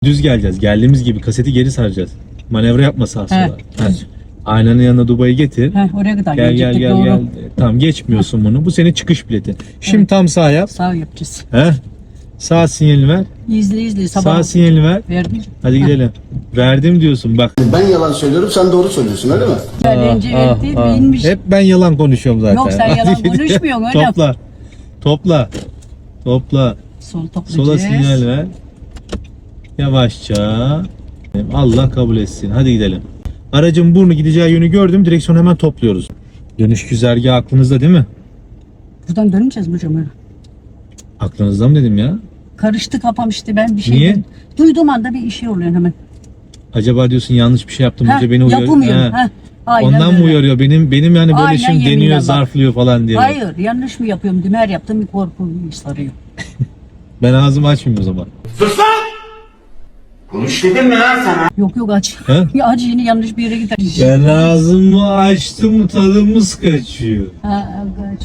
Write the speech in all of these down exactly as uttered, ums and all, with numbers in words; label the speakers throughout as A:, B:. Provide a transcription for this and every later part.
A: Düz geleceğiz. Geldiğimiz gibi kaseti geri saracağız. Manevra yapma sağa sola.
B: He.
A: Heh. Aynanın yanına Dubai'yi getir.
B: Heh, oraya kadar
A: Gel gel
B: gelecektik,
A: gel
B: doğru.
A: gel. Tamam geçmiyorsun bunu. Bu senin çıkış bileti. Şimdi
B: Evet.
A: tam sağ yap.
B: Sağ yapacağız.
A: He? Sağ sinyalini ver.
B: İzle izle sabah.
A: Sağ sinyalini ver.
B: Verdim.
A: Hadi gidelim. Verdim diyorsun bak.
C: Ben yalan söylüyorum, sen doğru söylüyorsun öyle mi?
B: Önce
A: Ah,
B: verdi,
A: ah.
B: inmiş.
A: Hep ben yalan konuşuyorum zaten.
B: Yok, sen
A: Hadi
B: yalan
A: gidelim.
B: konuşmuyorsun hocam.
A: Topla. Topla. Topla.
B: Sol toplayacağız.
A: Sola sinyal ver. Yavaşça. Allah kabul etsin. Hadi gidelim. Aracın burnu gideceği yönü gördüm. Direksiyonu hemen topluyoruz. Dönüş güzergahı aklınızda değil mi?
B: Buradan döneceğiz mi hocam öyle?
A: Aklınızda mı dedim ya?
B: Karıştı kafam işte, ben bir şey
A: Niye?
B: dedim. Duyduğum anda bir şey oluyor hemen.
A: Acaba diyorsun yanlış bir şey yaptım.
B: Heh,
A: Hoca beni uyarıyor.
B: yapamıyorum.
A: He.
B: Heh, aynen
A: Ondan mı
B: öyle.
A: uyarıyor? Benim benim yani böyle
B: Aynen,
A: işim
B: yeminle
A: deniyor,
B: bak.
A: zarflıyor falan diye.
B: Hayır, yanlış mı yapıyorum? Dümer yaptım, bir korku sarıyor.
A: Ben ağzımı açmayayım o zaman.
C: Konuş dedim mi lan sana?
B: Yok yok aç.
A: He?
B: Ya aç, yine yanlış bir yere gider.
A: Ben ağzımı açtım, tadımız kaçıyor.
B: Ha, kaç.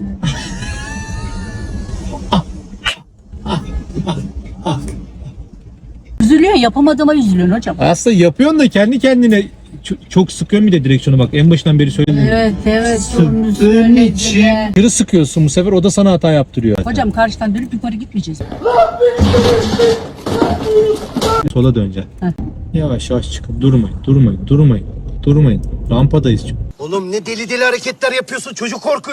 B: Üzülüyorsun, yapamadığıma üzülüyorsun hocam.
A: Aslında yapıyorsun da kendi kendine çok, çok sıkıyorsun bir de direksiyonu bak. En başından beri söyledim.
B: Evet evet.
A: Sıktığın
B: onu söyledi
A: için.
B: de.
A: Kırı sıkıyorsun bu sefer, o da sana hata yaptırıyor.
B: Hocam karşıdan dönüp yukarı gitmeyeceğiz.
A: Sola döneceksin.
B: Heh.
A: Yavaş yavaş çıkın. Durmayın, durmayın, durmayın. Durmayın. Rampadayız çünkü.
C: Oğlum ne deli deli hareketler yapıyorsun, çocuk korkuyor.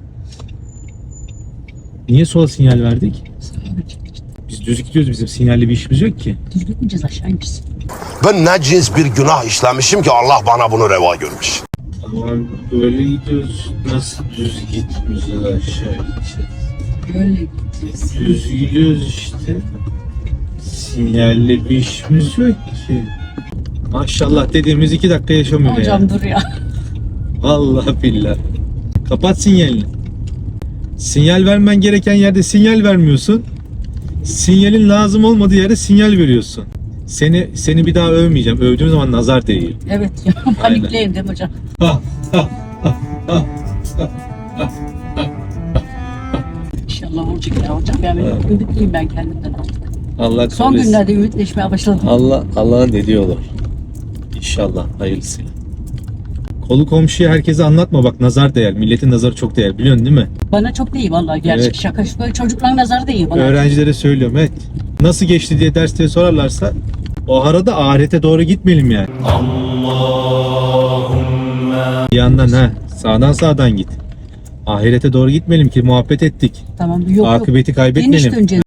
A: Niye sola sinyal verdik? Biz düz gidiyoruz, bizim sinyalli bir işimiz yok ki.
B: Düz gitmeyeceğiz, aşağı ineceğiz.
D: Ben ne cins bir günah işlemişim ki Allah bana bunu reva görmüş.
A: Ama böyle gidiyoruz. Nasıl düz gitmiyoruz, aşağı gideceğiz.
B: Böyle gideceğiz.
A: Düz gidiyoruz işte. Sinyalli bir işimiz yok ki. Maşallah dediğimiz iki dakika yaşamıyor
B: Hocam
A: ya.
B: dur ya.
A: Vallahi billahi. Kapat sinyalini. Sinyal vermen gereken yerde sinyal vermiyorsun. Sinyalin lazım olmadığı yerde sinyal veriyorsun. Seni seni bir daha övmeyeceğim. Övdüğüm zaman nazar değiyor.
B: Evet ya, panikleyim değil mi hocam? İnşallah olacak ya hocam. Yani ümitliyim ben kendimden artık.
A: Allah
B: Son
A: kabul etsin.
B: günlerde ümitleşmeye başladım.
A: Allah Allah'ın dediği olur. İnşallah hayırlısıyla. Kolu komşuya herkese anlatma bak, nazar değer. Milletin nazarı çok değer, biliyorsun değil mi?
B: Bana çok değil vallahi, gerçek
A: Evet.
B: şaka. Böyle çocukların nazarı değil bana.
A: Öğrencilere söylüyorum, evet. Nasıl geçti diye derste sorarlarsa o arada ahirete doğru gitmeyelim yani. Bir yandan ha, sağdan sağdan git. Ahirete doğru gitmeyelim ki muhabbet ettik.
B: Tamam, yok yok.
A: Akıbeti
B: Geniş
A: kaybetmeyelim.
B: döneceğiz.